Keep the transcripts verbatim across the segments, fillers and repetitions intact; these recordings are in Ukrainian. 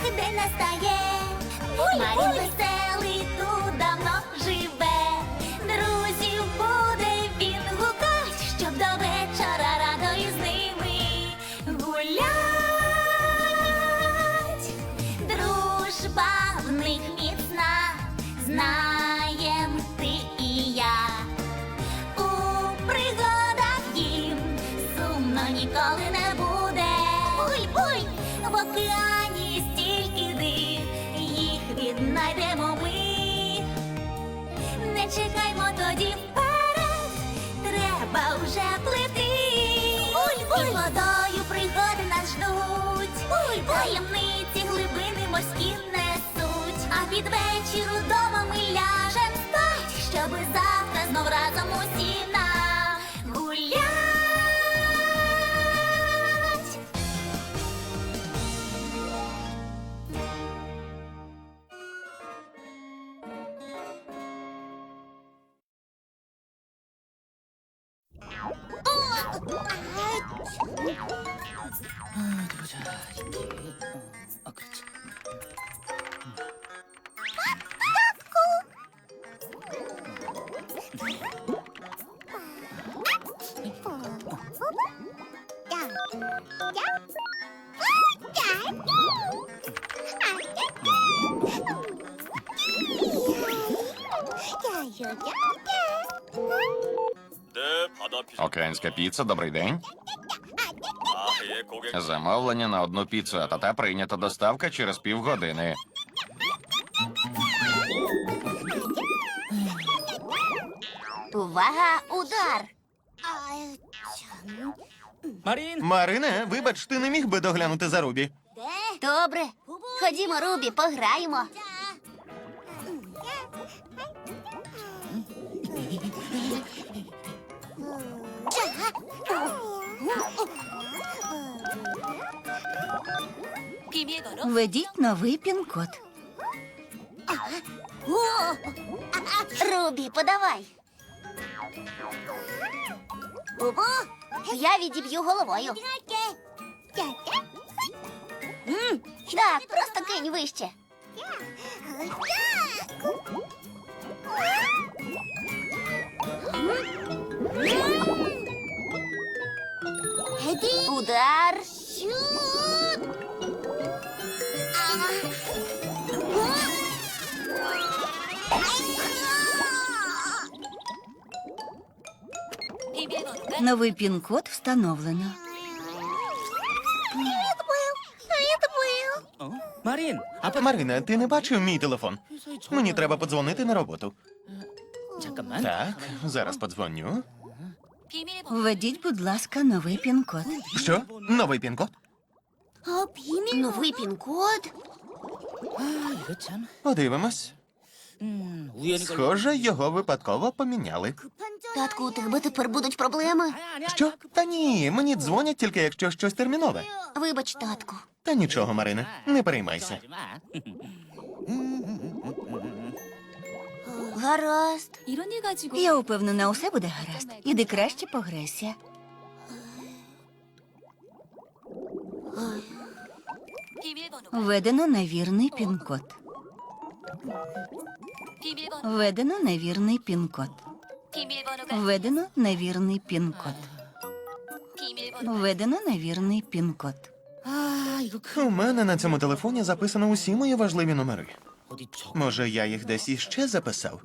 день настає. Марін веселий тут давно живе. Друзів буде він гукать, щоб до вечора радо із ними гулять. Дружба в них міцна, знаєм ти і я. У пригадах їм сумно ніколи не буде. Буй-буй! В океані стільки див, їх віднайдемо ми. Не чекаймо тоді вперед, треба вже плити. Буль-буль! І водою пригоди нас ждуть. Буль-буль! Таємниці глибини морські несуть. А під вечір удома ми ляжем спать, щоби завтра знов разом усі нагулять. 보자. 이렇게. 어, 아, 그렇지. 네, 바다 피자. Океанська піца, добрий день. 아, 예, 고객. Замовлення на одну піцу, а та прийнята доставка через півгодини. Увага, удар! 마린. Марине, вибач, ти не міг би доглянути за Рубі? Добре, ходімо, Рубі, пограємо. Введіть новий пін-код. Рубі, подавай. Я відіб'ю головою. М, Так, просто кинь вище. Удар. Новий пін-код встановлено. 어? 마린. 아빠. Марина, ти не бачив мій телефон? Мені треба подзвонити на роботу. 잠깐만. Так, зараз подзвоню. Введіть, будь ласка, новий пін-код. Що? Новий пін-код? Новий пін-код? 아, 이거 참. Подивимось. 음, 우연히 걸려. Схоже, його випадково поміняли. Татку, у тебе тепер будуть проблеми. Що? Та ні, мені дзвонять тільки якщо щось термінове. Вибач, татку. Та нічого, Марине, не переймайся. 걱정하지 마. Гаразд. Я упевнена, усе буде гаразд. Іди краще пограйся. Введено невірний пін-код. Введено невірний пін-код. Введено невірний пін-код. Введено невірний пін-код. 아, 이거 큰. У мене на цьому телефоні записано усі мої важливі номери. 어디 저. Може, я їх десь іще записав?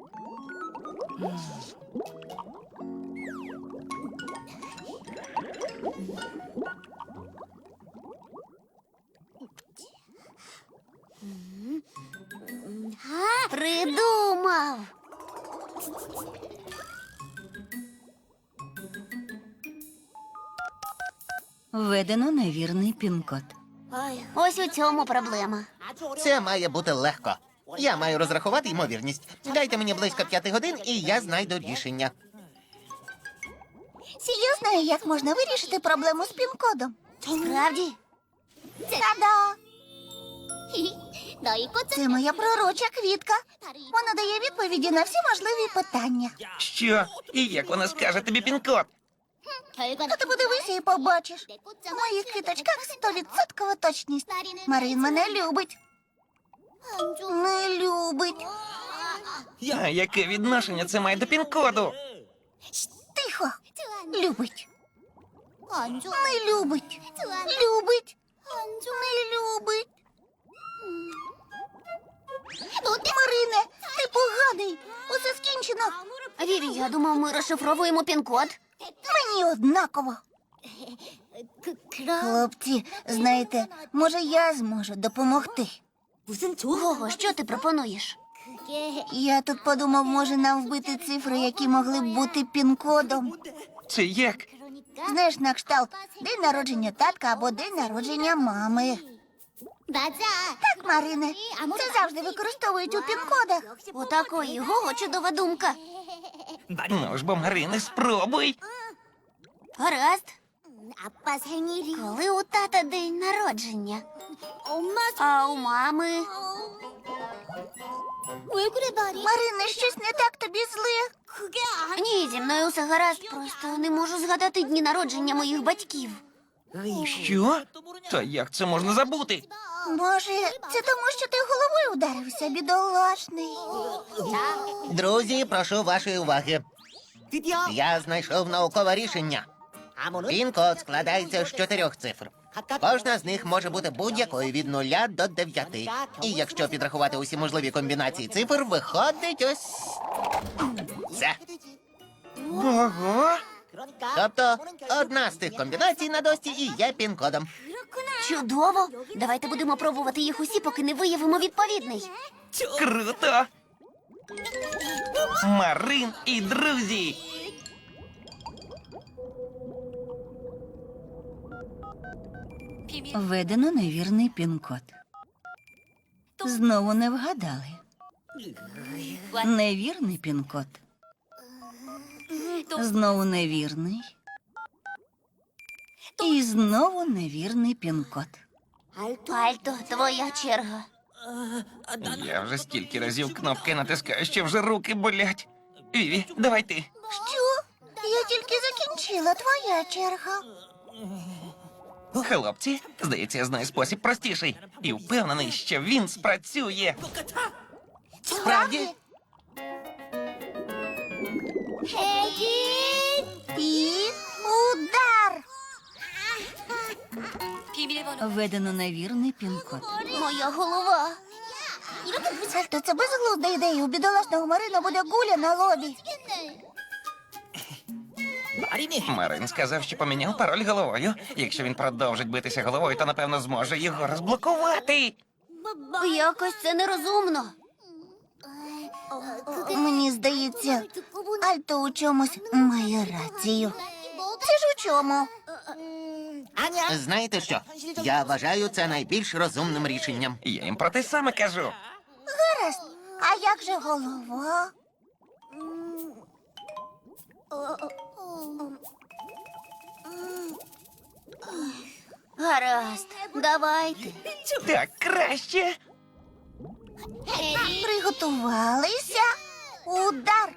Придумав. Введено невірний пін-код. Ось у цьому проблема. Це має бути легко. Я маю розрахувати ймовірність. Дайте мені близько п'яти годин, і я знайду рішення. Я знаю, як можна вирішити проблему з пін-кодом. Справді? Та-да! Це моя пророча квітка. Вона дає відповіді на всі можливі питання. Що? І як вона скаже тобі пін-код? А ти подивися і побачиш. У моїх квіточках стовідсоткова точність. Марин мене любить. Не любить. А яке відношення це має до пін-коду? Тихо. Любить. Не любить. Любить. Не любить. Марине, ти поганий. Усе скінчено. Віві, я думав, ми розшифровуємо пін-код. Мені однаково. Хлопці, знаєте, може я зможу допомогти. Гого, що ти пропонуєш? Я тут подумав, може нам вбити цифри, які могли б бути пін-кодом. Це як? Знаєш, на кшталт день народження татка або день народження мами. Так, Марине, це завжди використовують у пін-кодах. У такої Гого чудова думка. Ну ж бо, Марине, спробуй. Гаразд. Коли у тата день народження? А у мами? Марине, щось не так тобі зле. Ні, зі мною все гаразд, просто не можу згадати дні народження моїх батьків. Що? Та як це можна забути? Може, це тому, що ти головою ударився, бідолашний. Друзі, прошу вашої уваги. Я знайшов наукове рішення. Пін-код складається з чотирьох цифр. Кожна з них може бути будь-якою від нуля до дев'яти. І якщо підрахувати усі можливі комбінації цифр, виходить ось це. Ого! Тобто одна з тих комбінацій на дошці і є пін-кодом. Чудово! Давайте будемо пробувати їх усі, поки не виявимо відповідний. Круто! Марин і друзі! Введено невірний пін-код. Знову не вгадали. Невірний пін-код. Знову невірний. І знову невірний пін-код. Альто, твоя черга. Я вже Стільки разів кнопки натискаю, що вже руки болять. Віві, давай ти. Що? Я тільки закінчила, твоя черга. Хлопці, здається, я знаю спосіб простіший. І впевнений, що він спрацює. Справді? І удар. Введено невірний пін-код. Моя голова. Альто, це безглузда ідея. У бідолашного Марина буде гуля на лобі. Марин сказав, що поміняв пароль головою. Якщо він продовжить битися головою, то напевно зможе його розблокувати. Якось це нерозумно. Мені здається, Альто у чомусь має рацію. Це ж у чому? Знаєте що? Я вважаю це найбільш розумним рішенням. Я їм про те саме кажу. Гаразд. А як же голова? Гаразд, давайте. Так краще. Приготувалися. Удар.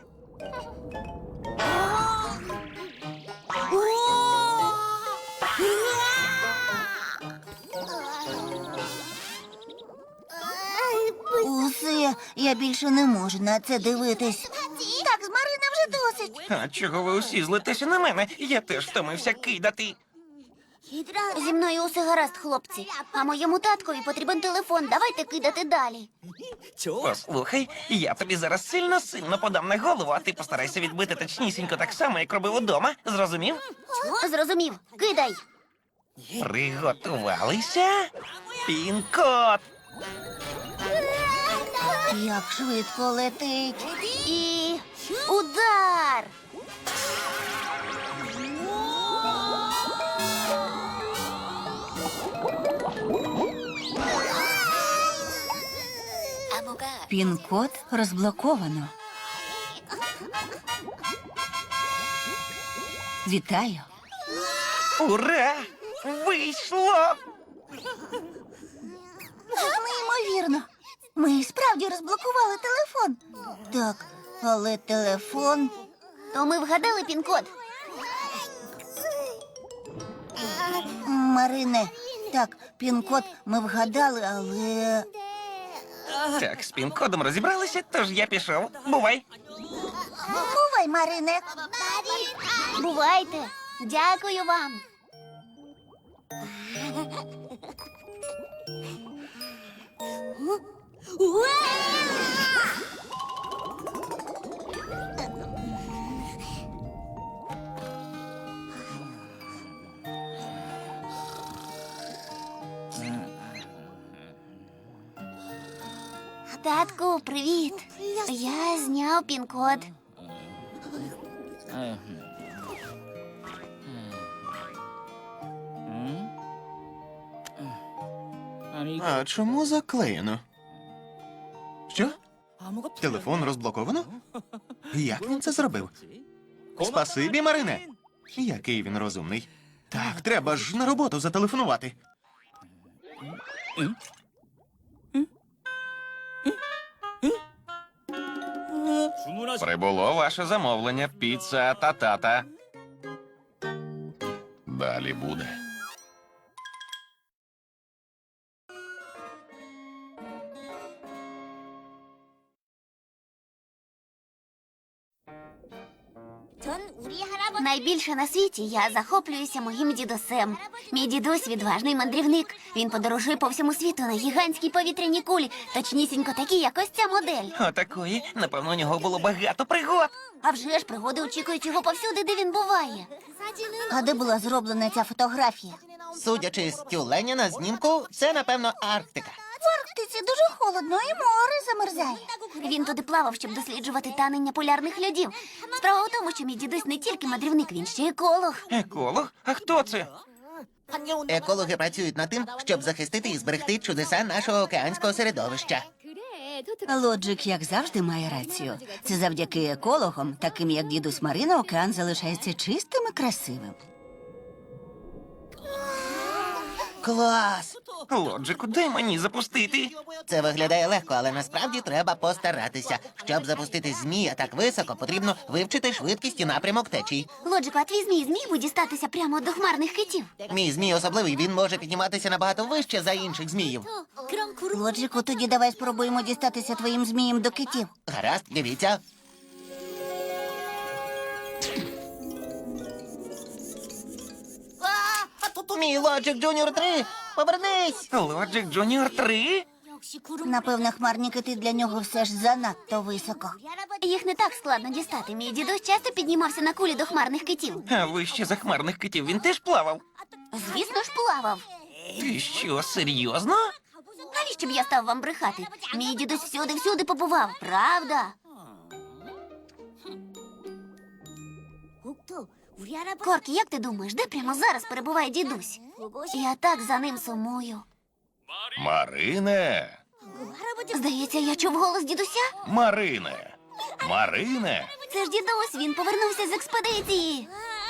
Усе, я більше не можу на це дивитись. Так, з Марина вже досить. А чого ви усі злитеся на мене? Я теж втомився кидати. Зі мною усе гаразд, хлопці. А моєму таткові потрібен телефон. Давайте кидати далі. Послухай, я тобі зараз сильно-сильно подам на голову, а ти постарайся відбити точнісінько так само, як робив удома. Зрозумів? Зрозумів. Кидай. Приготувалися? Пін-код! Як швидко летить. І удар. Пін-код розблоковано. Вітаю. Ура! Вийшло! Неймовірно. Ми і справді розблокували телефон. Так, але телефон. То ми вгадали пін-код. Марине, так, пін-код ми вгадали, але. Так, з пін-кодом розібралися, тож я пішов. Бувай. Бувай, Марине. Бувайте. Дякую вам. Татку, привіт. Я зняв пін-код. А чому заклеєно? Що? Телефон розблоковано? Як він це зробив? Спасибі, Марине. Який він розумний. Так, треба ж на роботу зателефонувати. Прибуло ваше замовлення. Піца та тата. Далі буде. Найбільше на світі я захоплююся моїм дідусем. Мій дідусь відважний мандрівник. Він подорожує по всьому світу на гігантській повітряній кулі, точнісінько такі, як ось ця модель. Отакої, напевно, у нього було багато пригод. А вже ж пригоди очікують його повсюди, де він буває. А де була зроблена ця фотографія? Судячи з тюленя на знімку, це, напевно, Арктика. В Арктиці дуже холодно і море замерзає. Він туди плавав, щоб досліджувати танення полярних льодів. Справа в тому, що мій дідусь не тільки мандрівник, він ще еколог. Еколог? А хто це? Екологи працюють над тим, щоб захистити і зберегти чудеса нашого океанського середовища. Лоджик, як завжди, має рацію. Це завдяки екологам, таким як дідусь Марина, океан залишається чистим і красивим. Клас! Лоджику, дай мені запустити. Це виглядає легко, але насправді треба постаратися. Щоб запустити змія так високо, потрібно вивчити швидкість і напрямок течій. Лоджику, а твій змій зміг би дістатися прямо до хмарних китів? Мій змій особливий, він може підніматися набагато вище за інших зміїв. Лоджику, тоді давай спробуємо дістатися твоїм змієм до китів. Гаразд, дивіться. Мій Лоджик Джуніор три! Повернись! Лоджик Джуніор три? Напевно, хмарні кити для нього все ж занадто високо. Їх не так складно дістати. Мій дідусь часто піднімався на кулі до хмарних китів. А вище захмарних китів він теж плавав? Звісно ж, плавав. Ти що, серйозно? Навіщо б я став вам брехати? Мій дідусь всюди-всюди побував, правда? Коркі, як ти думаєш, де прямо зараз перебуває дідусь? Я так за ним сумую. Марине! Здається, я чув голос дідуся. Марине! Марине! Це ж дідусь, він повернувся з експедиції.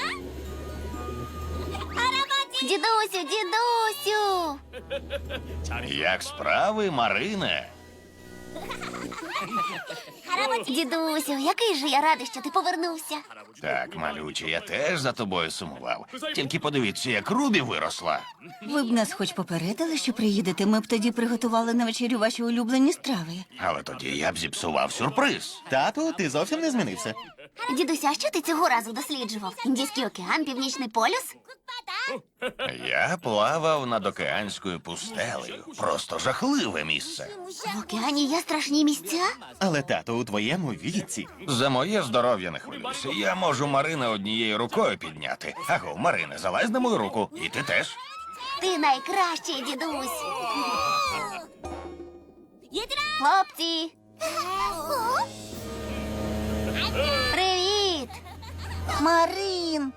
Дідусю, дідусю! Як справи, Марине? Дідусю, який же я радий, що ти повернувся. Так, малюче, я теж за тобою сумував. Тільки подивіться, як Рубі виросла. Ви б нас хоч попередили, що приїдете, ми б тоді приготували на вечерю ваші улюблені страви. Але тоді я б зіпсував сюрприз. Тату, ти зовсім не змінився. Дідуся, а що ти цього разу досліджував? Індійський океан, Північний полюс? Я плавав над океанською пустелею. Просто жахливе місце. В океані є страшні місця? Але тато, у твоєму віці. За моє здоров'я не хвилюйся. Я можу Марина однією рукою підняти. Аго, Марине, залазь на мою руку. І ти теж. Ти найкращий, дідусь. Хлопці! Привіт! Марин!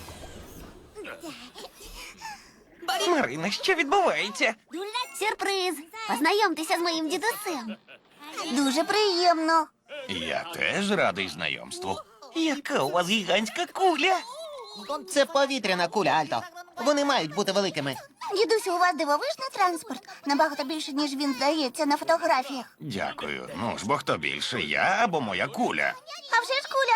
Марина, що відбувається? Сюрприз! Познайомтеся з моїм дідусем. Дуже приємно. Я теж радий знайомству. Яка у вас гігантська куля? Це повітряна куля, Альто. Вони мають бути великими. Дідусю, у вас дивовижний транспорт. Набагато більше, ніж він здається на фотографіях. Дякую. Ну ж бо хто більше, я або моя куля? А вже ж куля.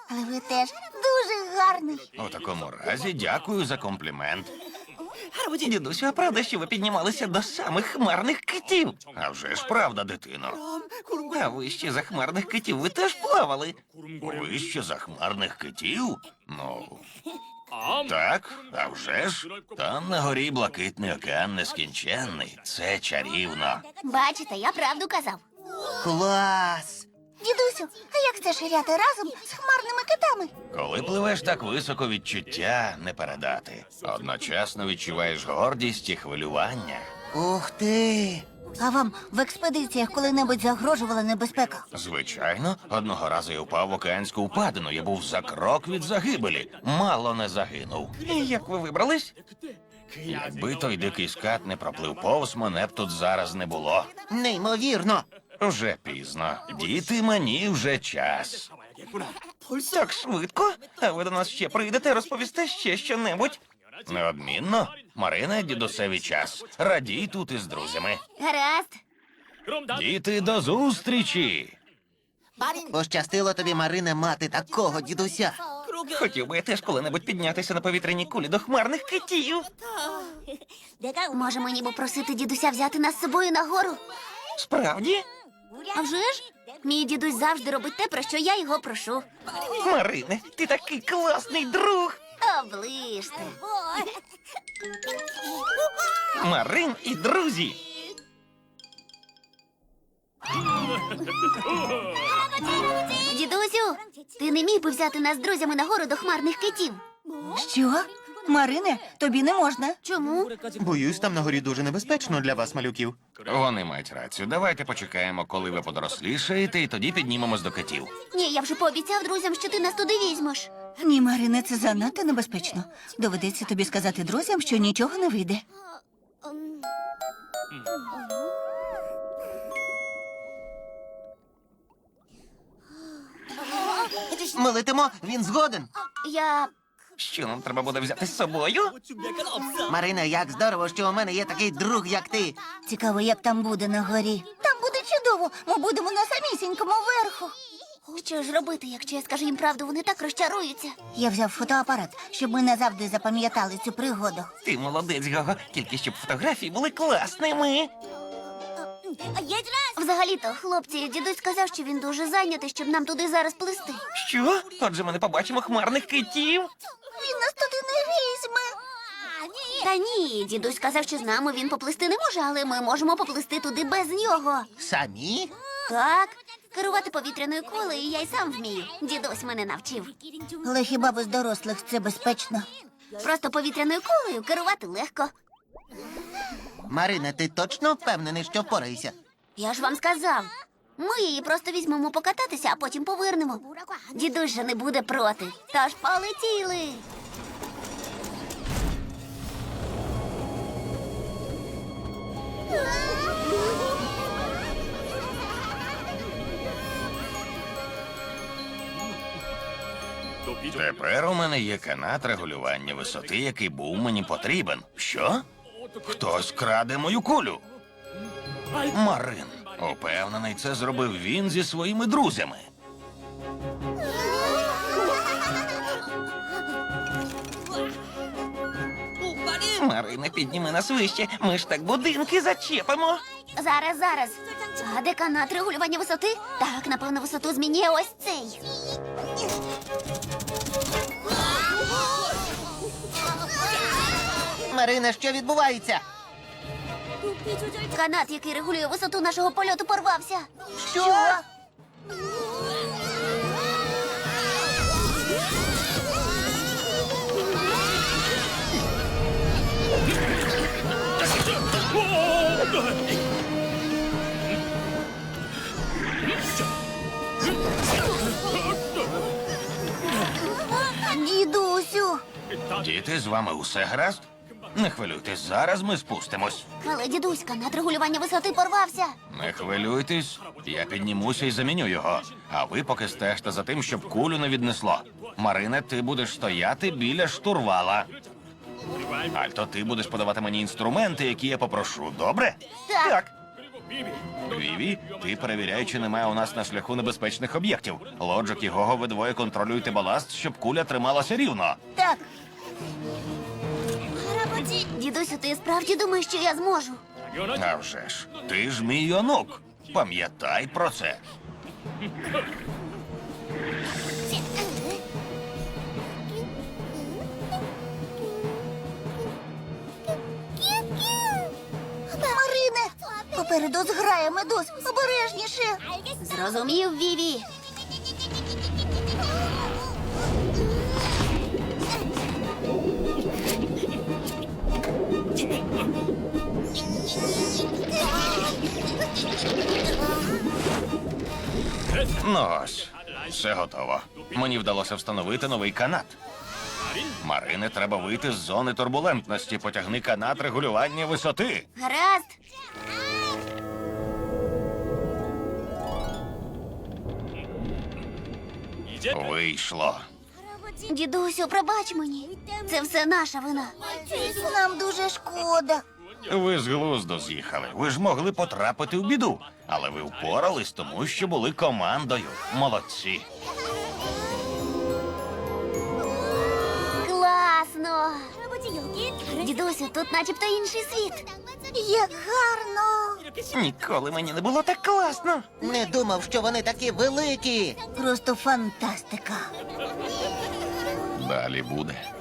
Але ви теж дуже гарний. У такому разі дякую за комплімент. Дідусю, а правда, що ви піднімалися до самих хмарних китів? А вже ж правда, дитино. А вище за хмарних китів ви теж плавали? Вище захмарних китів? Ну, так, а вже ж. Там на горі блакитний океан нескінченний. Це чарівно. Бачите, я правду казав. Клас! Дідусю, а як це ширяти разом з хмарними китами? Коли пливеш так високо, відчуття не передати. Одночасно відчуваєш гордість і хвилювання. Ух ти! А вам в експедиціях коли-небудь загрожувала небезпека? Звичайно, одного разу я впав в океанську впадину. Я був за крок від загибелі. Мало не загинув. І як ви вибрались? Якби той дикий скат не проплив повз, мене б тут зараз не було. Неймовірно! Вже пізно. Діти, мені вже час. Так швидко? А ви до нас ще прийдете, розповісте ще щонебудь? Неодмінно. Марина, дідусеві час. Радій тут із друзями. Гаразд. Діти, до зустрічі! Пощастило тобі, Марине, мати такого дідуся. Хотів би я теж коли-небудь піднятися на повітряній кулі до хмарних китів. Може, мені попросити дідуся взяти нас з собою на гору? Справді? А вже ж? Мій дідусь завжди робить те, про що я його прошу. Марине, ти такий класний друг. Оближте. Марин і друзі. Дідусю, ти не міг би взяти нас з друзями на гору до хмарних китів? Що? Марине, тобі не можна. Чому? Боюсь, там на горі дуже небезпечно для вас, малюків. Вони мають рацію. Давайте почекаємо, коли ви подорослішаєте, і тоді піднімемось до китів. Ні, я вже пообіцяв друзям, що ти нас туди візьмеш. Ні, Марине, це занадто небезпечно. Доведеться тобі сказати друзям, що нічого не вийде. Ми летимо, він згоден. Я. Що нам треба буде взяти з собою? Марина, як здорово, що у мене є такий друг, як ти. Цікаво, як там буде на горі. Там буде чудово. Ми будемо на самісінькому верху. Що ж робити, якщо я скажу їм правду, вони так розчаруються. Я взяв фотоапарат, щоб ми назавжди запам'ятали цю пригоду. Ти молодець, Гого. Тільки щоб фотографії були класними. Взагалі-то, хлопці, дідусь сказав, що він дуже зайнятий, щоб нам туди зараз плисти. Що? Отже, ми не побачимо хмарних китів. Він нас туди не візьме. Та ні, дідусь сказав, що з нами він поплисти не може, але ми можемо поплисти туди без нього. Самі? Так, керувати повітряною кулею я й сам вмію. Дідусь мене навчив. Але хіба без дорослих це безпечно? Просто повітряною кулею керувати легко. Марине, ти точно впевнений, що впораєшся? Я ж вам сказав. Ми її просто візьмемо покататися, а потім повернемо. Дідусь же не буде проти. Тож полетіли. Тепер у мене є канат регулювання висоти, який був мені потрібен. Що? Хтось краде мою кулю. Марин. Упевнений, це зробив він зі своїми друзями. Марина, підніми нас вище. Ми ж так будинки зачепимо. Зараз, зараз. А де канат регулювання висоти? Так, напевно, висоту змінює ось цей. Марина, що відбувається? Канат, який регулює висоту нашого польоту, порвався. Що? Дідусю. Діти, з вами усе гаразд? Не хвилюйтесь, зараз ми спустимось. Але дідусь, канат регулювання висоти порвався. Не хвилюйтесь, я піднімуся і заміню його. А ви поки стежте за тим, щоб кулю не віднесло. Марине, ти будеш стояти біля штурвала. Альто, ти будеш подавати мені інструменти, які я попрошу, добре? Так. Так. Віві, ти перевіряй, чи немає у нас на шляху небезпечних об'єктів. Лоджик і Гого, ви двоє контролюйте баласт, щоб куля трималася рівно. Так, Дідусю, ти справді думаєш, що я зможу? А вже ж, ти ж мій онук. Пам'ятай про це. Марине, попереду зграє медуз. Обережніше. Зрозумів, Віві. Ну ось, все готово. Мені вдалося встановити новий канат. Марине, треба вийти з зони турбулентності. Потягни канат регулювання висоти. Гаразд. Вийшло. Дідусю, пробач мені. Це все наша вина. Нам дуже шкода. Ви з глузду з'їхали. Ви ж могли потрапити в біду. Але ви впорались, тому що були командою. Молодці. Класно. Дідусю, тут начебто інший світ. Як гарно. Ніколи мені не було так класно. Не думав, що вони такі великі. Просто фантастика. Далі буде.